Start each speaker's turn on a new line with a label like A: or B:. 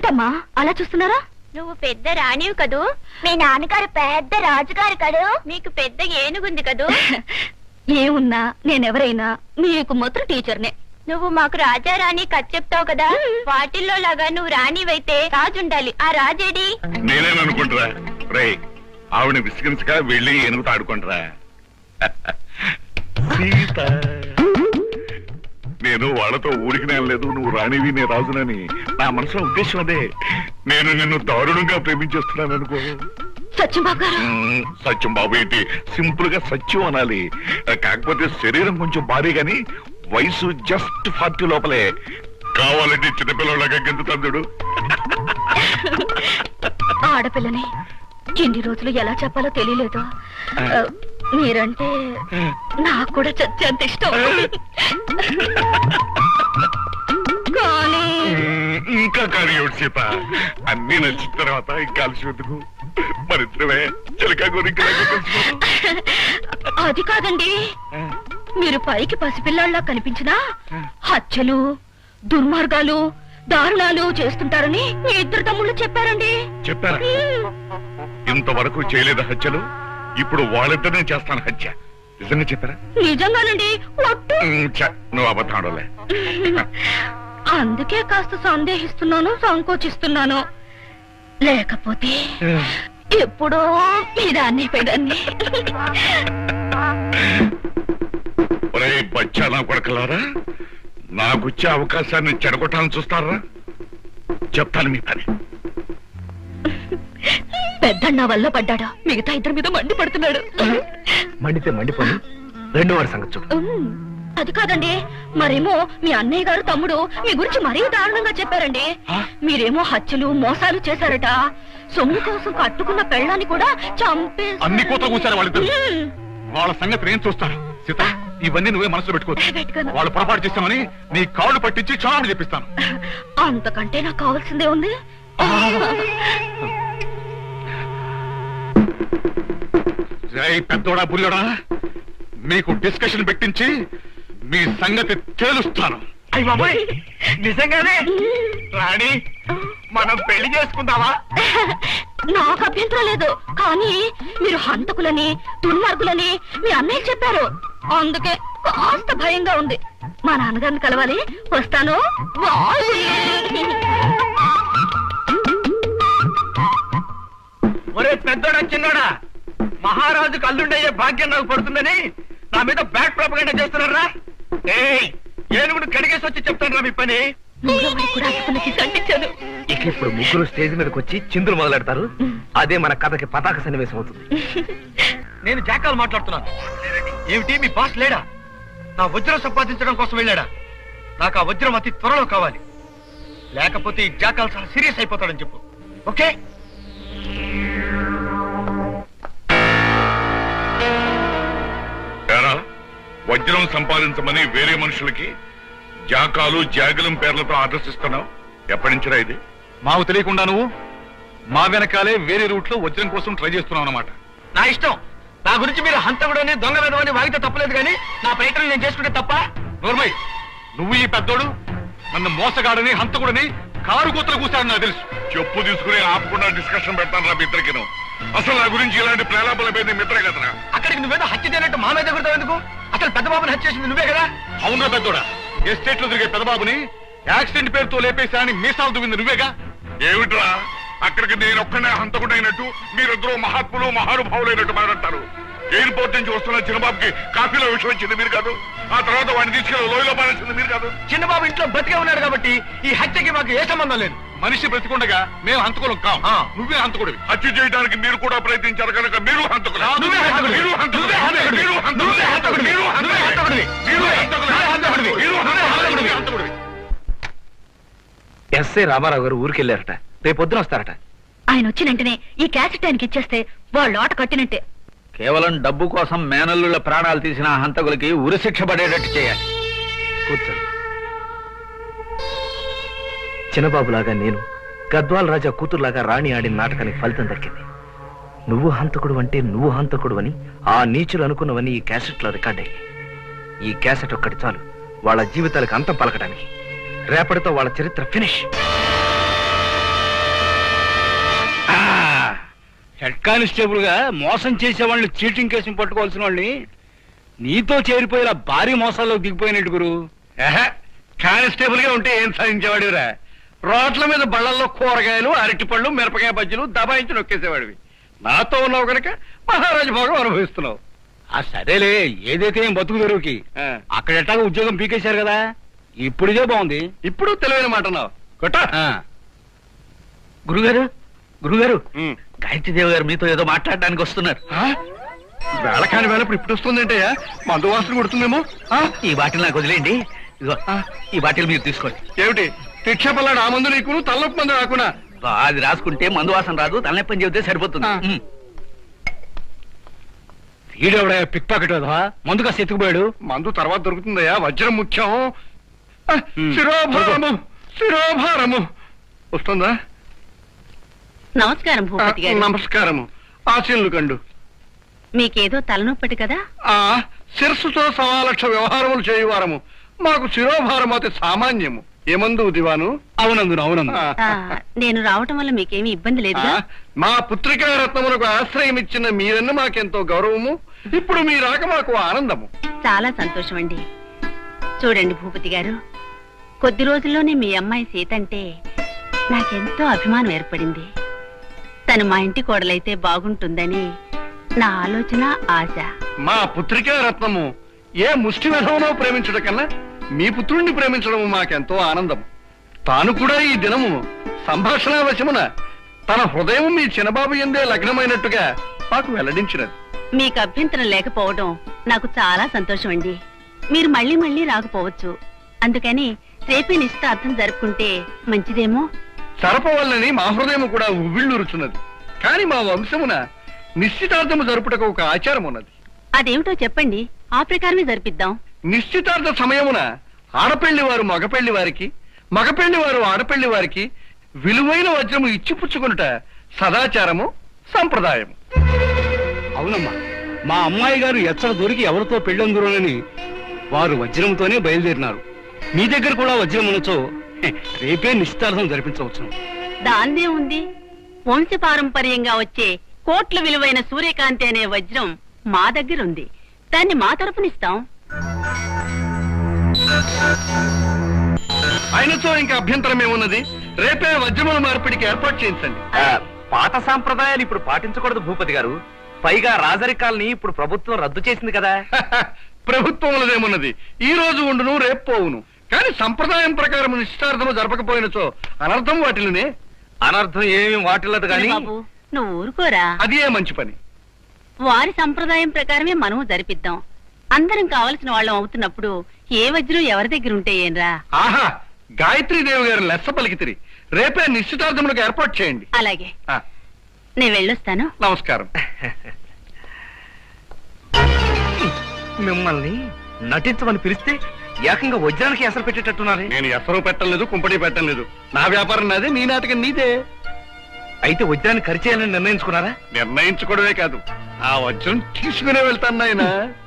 A: ఏంటమ్మా అలా చూస్తున్నారా?
B: నువ్వు పెద్ద రాణివి కదూ,
A: మీ నాన్నగారు పెద్ద రాజుగారు కదూ,
B: మీకు పెద్ద ఏనుగుంది కదూ.
A: ఏమున్నా నేనెవరైనా నీకు మాత్రం టీచర్నే.
B: నువ్వు మాకు రాజా రాణి కథ చెప్తావు కదా, వాటిల్లో లాగా నువ్వు రాణివైతే రాజుండాలి. ఆ రాజేడి
C: నేనేననుకుంటారా? రే, ఆవిడ విసిగించగా వెళ్ళి ఏనుగుతో ఆడుకుంటారా? సీత, నేను వాళ్ళతో ఊరికి లేదు, నువ్వు రాణివి నే రాజునని. నా మనసులో ఉద్దేశం అదే. నేను నిన్ను దారుణంగా ప్రేమించేస్తున్నాను అనుకో.
A: సత్యం బాబు గారు.
C: సత్యం బాబు ఏంటి, సింపుల్ గా సత్యం అనాలి. కాకపోతే శరీరం కొంచెం భారీ గాని వయసు జస్ట్ 40 లోపలే. కావాలంటే చిన్నపిల్లలాగా గెంతుతాడు.
A: ఆడపిల్లని ఎన్ని రోజులు ఎలా చెప్పాలో తెలియలేదు. మీరంటే నాకు కూడా చచ్చేంత ఇష్టం. కానీ
C: ఇంకా కానీ సీత, అన్ని నచ్చిన తర్వాత ఇంకా అలసినందుకు మరిద్దరమే చిలకా గురించి.
A: అది కాదండి, మీరు పైకి పసిపిల్లాళ్ళ కనిపించినా హత్యలు, దుర్మార్గాలు, దారుణాలు చేస్తుంటారని మీ ఇద్దరు తమ్ముళ్ళు చెప్పారండి.
C: చెప్పారా? ఇంతవరకు చేయలేదు హత్యలు, ఇప్పుడు వాళ్ళిద్దరినే చేస్తాను హత్య. నిజంగా చెప్పారా?
A: నిజంగానండి.
C: నువ్వు అబద్ధాడలే.
A: అందుకే కాస్త సందేహిస్తున్నాను, సంకోచిస్తున్నాను. లేకపోతే ఎప్పుడో ఇదాన్ని పెదాన్ని.
C: ఒరే బచ్చా నా కొడకలారా, నాకొచ్చే అవకాశాన్ని చెడగొట్టాలని చూస్తారా? చెప్తాను మీ పని.
A: పెద్దన్న వల్ల పడ్డాడా, మిగతా ఇద్దరి మీద మండి పడుతున్నాడు.
D: మండితే మండిపోయి రెండో వారి సంగతి చూడు.
A: అది కాదండి, మరేమో మీ అన్నయ్య గారు తమ్ముడు మీ గురించి మరీ దారుణంగా చెప్పారండి. మీరేమో హత్యలు, మోసాలు చేశారట. సొమ్ము కోసం కట్టుకున్న పెళ్ళాన్ని కూడా చంపే.
C: అన్ని కోతలు కూర్చారు వాళ్ళిద్దరు. వాళ్ళ సంగతి నేను చూస్తాను సీత. ఇవన్నీ నువ్వే మనసులో పెట్టుకోవచ్చు. వాళ్ళు పొరపాటు చేస్తామని నీ కాళ్ళు పట్టించి క్షమాపణ చెప్పిస్తాను.
A: అంతకంటే నాకు కావాల్సిందే ఉంది.
C: పెద్దోడా బుల్లోడా, మీకు డిస్కషన్ పెట్టించి మీ సంగతి తేలుస్తాను.
D: అయ్య బాబాయ్, నిజంగానే రాణి, మనం పెళ్లి చేసుకుందామా?
A: నాకు అభ్యంతరం లేదు, కానీ మీరు హంతకులని, దుర్మార్గులని మీ అన్నయ్య చెప్పారు. అందుకే కాస్త భయంగా ఉంది. మా నాన్నగారిని కలవాలి, వస్తాను.
D: ఒరే పెద్దోడా చిన్నోడా, మహారాజుకు అల్లుండయ్యే భాగ్యం నాకు పడుతుందని నా మీద బ్యాడ్ ప్రాపగండా చేస్తున్నారా? ఏనుగుడు కడిగేసి వచ్చి చెప్తాను మీ పని. ఇక ఇప్పుడు ముగ్గురు స్టేజ్ మీదకి వచ్చి చిందులు మొదలెడతారు. అదే మన కథకి పతాక సన్నివేశం అవుతుంది. నేను జాకాలు మాట్లాడుతున్నాను. ఏమిటి మీ బాస్ లేడా? నా వజ్రం సంపాదించడం కోసం వెళ్ళాడా? నాకు ఆ వజ్రం అతి త్వరలో కావాలి, లేకపోతే ఈ జాకాలు చాలా సీరియస్ అయిపోతాడని చెప్పు. ఓకే?
C: వజ్రం సంపాదించమని వేరే మనుషులకి జాకాలు, జాగలం పేర్లతో ఆర్డర్స్ ఇస్తున్నావు. ఎప్పటి నుంచిరా ఇది?
E: మాకు తెలియకుండా నువ్వు మా వెనకాలే వేరే రూట్ లో వజ్రం కోసం ట్రై చేస్తున్నావు అన్నమాట.
D: నా ఇష్టం. నా గురించి మీరు హంతకుడని, దొంగ వెధవని వాగితే తప్పలేదు, కానీ నా ప్రయత్నం నేను చేసుకుంటే తప్ప?
E: నోర్మై, నువ్వు ఈ పెద్దోడు నన్ను మోసగాడని, హంతకుడని కారు కూతురు కూర్చాడని నాకు తెలుసు.
C: చెప్పు తీసుకుని ఆపకుండా డిస్కషన్ పెడతాను రా మిత్రకి. అసలు నా గురించి ఇలాంటి ప్రేలాపల మీద మిత్రే కదరా.
D: అక్కడికి నువ్వేదో హత్య చేయనట్టు మా మీద ఎగురుతావు ఎందుకు? అసలు పెద్ద బాబుని హత్య చేసింది నువ్వే కదా?
E: అవునా పెద్దోడా? ఎస్టేట్ లో తిరిగే పెద్దబాబుని యాక్సిడెంట్ పేరుతో లేపేశాని మీసాలు దువ్వింది నువ్వేగా?
C: ఏమిట్రా, అక్కడికి నేను ఒక్కనే హంతకుడైనట్టు మీరిద్దరూ మహాత్ములు, మహానుభావులైనట్టు మాట్లాడతారు. ఎయిర్పోర్ట్ నుంచి వస్తున్న చిన్నబాబుకి కాఫీలో విషయం వచ్చింది మీరు కాదు. ఆ తర్వాత వాడిని తీసుకెళ్ళి లోయలో పారేసింది మీరు కాదు.
D: చిన్నబాబు ఇంట్లో బతికే ఉన్నాడు కాబట్టి ఈ హత్యకి మాకు ఏ సంబంధం లేదు.
E: మనిషి బ్రతికుండగా మేము హంతకులం కాం. నువ్వే హంతకుడివి.
C: హత్య చేయడానికి మీరు కూడా ప్రయత్నించారు కనుక మీరు హంతకులు.
D: ఎస్ఐ రామారావు గారు ఊరికెళ్ళారట, రేపొద్దున వస్తారట.
A: ఆయన వచ్చిన వెంటనే ఈ క్యాసెట్ ఆయనకి ఇచ్చేస్తే వాళ్ళు ఆట కట్టినట్టే.
F: కేవలం డబ్బు కోసం మేనల్లుల ప్రాణాలు తీసిన హంతకులకి ఉరిశిక్ష పడేటట్టు చేయాలి.
D: కూర్చోండి. చిన్నబాబులాగా నేను, గద్వాల రాజా కూతురులాగా రాణి ఆడిన నాటకానికి ఫలితం దక్కింది. నువ్వు హంతకుడు అంటే నువ్వు హంతకుడు అని ఆ నీచులు అనుకున్నవని ఈ క్యాసెట్లో రికార్డ్ అయ్యి. ఈ క్యాసెట్ ఒక్కటి చాలు వాళ్ళ జీవితాలకు అంతం పలకడానికి. రేపటితో వాళ్ళ చరిత్ర ఫినిష్.
E: హెడ్ కానిస్టేబుల్ గా మోసం చేసే వాళ్ళని చీటింగ్ కేసుని పట్టుకోవాల్సిన వాళ్ళని నీతో చేరిపోయేలా భారీ మోసాల్లో దిగిపోయినట్టు గురు.
D: కానిస్టేబుల్ గా ఉంటే ఏం సాధించేవాడివిరా? రోడ్ల మీద బళ్ళల్లో కూరగాయలు, అరటిపళ్ళు, మిరపకాయ బజ్జీలు దబాయించి నొక్కేసేవాడివి. నాతో ఉన్నావు కనుక మహారాజు భోగం అనుభవిస్తున్నావు.
E: ఆ సరేలే, ఏదైతే ఏం బతుకు తెరువుకి అక్కడ ఎట్టాగా ఉద్యోగం పీకేశారు కదా, ఇప్పుడు ఇదే బాగుంది.
D: ఇప్పుడు తెలివైన మాట అన్నావు.
F: గురుగారు గురుగారు, గాయత్రీదేవి గారు మీతో ఏదో మాట్లాడడానికి వస్తున్నారు.
D: వేళ కాని వేళ ఇప్పుడు వస్తుందంటయ్యా, మందు వాసన కొడుతుందేమో.
F: ఈ బాటిల్ నాకు వదిలేండి. ఇదిగో ఈ బాటిల్ మీరు తీసుకోండి.
D: ఏమిటి శిక్ష పల్లాడు? ఆ మందు నీకు తలనొప్పి మందు రాకున్నా?
F: అది రాసుకుంటే మందు వాసన రాదు, తలనొప్పని చెబితే సరిపోతుంది.
E: ఈడెవడా పిక్ పాకెట్ మందు కాస్త ఎత్తుకుపోయాడు.
D: మందు తర్వాత దొరుకుతుందయ్యా, వజ్రం ముఖ్యం. శిరోభారము శిరోభారము వస్తుందా?
A: నమస్కారం భూపతి గారు.
D: నమస్కారము. ఆశీనులు కండు.
A: మీకేదో తలనొప్పటి కదా?
D: శిరస్సుతో 1,00,000 వ్యవహారములు చేయువారము. మాకు శిరోభారం అతి సామాన్యము. ఏమందు దివాను?
E: అవునందు అవునందు.
A: నేను రావటం వల్ల మీకేమీ ఇబ్బంది లేదుగా?
D: మా పుత్రికా రత్నములకు ఆశ్రయం ఇచ్చిన మీరన్న మాకెంతో గౌరవము. ఇప్పుడు మీ రాక మాకు ఆనందము.
A: చాలా సంతోషం అండి. చూడండి భూపతి గారు, కొద్ది రోజుల్లోనే మీ అమ్మాయి సీత అంటే నాకెంతో అభిమానం ఏర్పడింది. తను మా ఇంటి కోడలైతే బాగుంటుందని నా ఆలోచన, ఆశ.
D: మా పుత్రికా రత్నము ఏ ముష్టి విధమునో ప్రేమించడం కన్నా మీ పుత్రుణ్ణి ప్రేమించడం మాకెంతో ఆనందం. తాను కూడా ఈ దినము సంభాషణావశమున తన హృదయం మీ చిన్నబాబు ఎందే లగ్నమైనట్టుగా మాకు వెల్లడించినది.
A: మీకు అభ్యంతరం లేకపోవడం నాకు చాలా సంతోషం అండి. మీరు మళ్ళీ మళ్ళీ రాకపోవచ్చు, అందుకని రేపే నిశ్చితార్థం జరుపుకుంటే మంచిదేమో.
D: సరపవల్లని మా హృదయం కూడా ఉవ్విళ్ళూరుచున్నది. కాని మా వంశమున నిశ్చితార్థము జరుపుటకు ఒక ఆచారం ఉన్నది.
A: అదేమిటో చెప్పండి, ఆ ప్రకారమే జరిపిద్దాం.
D: నిశ్చితార్థ సమయమున ఆడపెళ్లి వారు మగపెళ్లి వారికి, మగపెళ్లి వారు ఆడపెళ్లి వారికి విలువైన వజ్రము ఇచ్చిపుచ్చుకునుట సదాచారము, సంప్రదాయము.
E: అవునమ్మా, మా అమ్మాయి గారు ఎచ్చట దొరికి ఎవరితో పెళ్ళందురోనని వారు వజ్రంతోనే బయలుదేరినారు. మీ దగ్గర కూడా వజ్రం ఉండొచ్చో, రేపే నిశ్చితార్థం జరిపించవచ్చు.
A: దాందే ఉంది, వంశపారంపర్యంగా వచ్చే కోట్ల విలువైన సూర్యకాంతి అనే వజ్రం మా దగ్గర ఉంది. దాన్ని మా తరపునిస్తాం.
D: ఆయనతో ఇంకా అభ్యంతరం ఏమున్నది? రేపే వజ్రముల మార్పిడికి ఏర్పాటు చేయించండి.
F: పాత సాంప్రదాయాలు ఇప్పుడు పాటించకూడదు భూపతి గారు. పైగా రాజరికాల్ని ఇప్పుడు ప్రభుత్వం రద్దు చేసింది కదా.
D: ప్రభుత్వములదేమున్నది? ఈ రోజు ఉండును, రేపు పోవును. కానీ సంప్రదాయం ప్రకారం నిశ్చితార్థము జరపకపోయినచో అనర్థం వాటిల్నే.
F: అనర్థం ఏమి వాటిల్లదు గాని.
A: బాబు, నువ్వు ఊరుకోరా.
D: అదే మంచి పని.
A: వారి సంప్రదాయం ప్రకారమే మనము జరిపిద్దాం. అందరం కావలసిన వాళ్ళం అవుతున్నప్పుడు ఏ వజ్రం ఎవరి దగ్గర ఉంటే ఏంరా?
D: ఆహా, గాయత్రీదేవి గారు లెస్స పలికితిరి. రేపే నిశ్చితార్థములకు ఏర్పాటు చేయండి.
A: అలాగే, నేను వెళ్ళొస్తాను.
D: నమస్కారం.
F: మిమ్మల్ని నటించమని పిలిస్తే ఏకంగా వజ్రానికి ఎసరు పెట్టేటట్టున్నారే.
D: నేను ఎసరు పెట్టలేదు, కుంపటి పెట్టలేదు. నా వ్యాపారం నాదే, నీ నాటకం నీదే.
F: అయితే వజ్రాన్ని ఖర్చేయాలని నిర్ణయించుకున్నారా?
D: నిర్ణయించుకోవడమే కాదు, ఆ వజ్రం తీసుకునే వెళ్తాను నాయనా.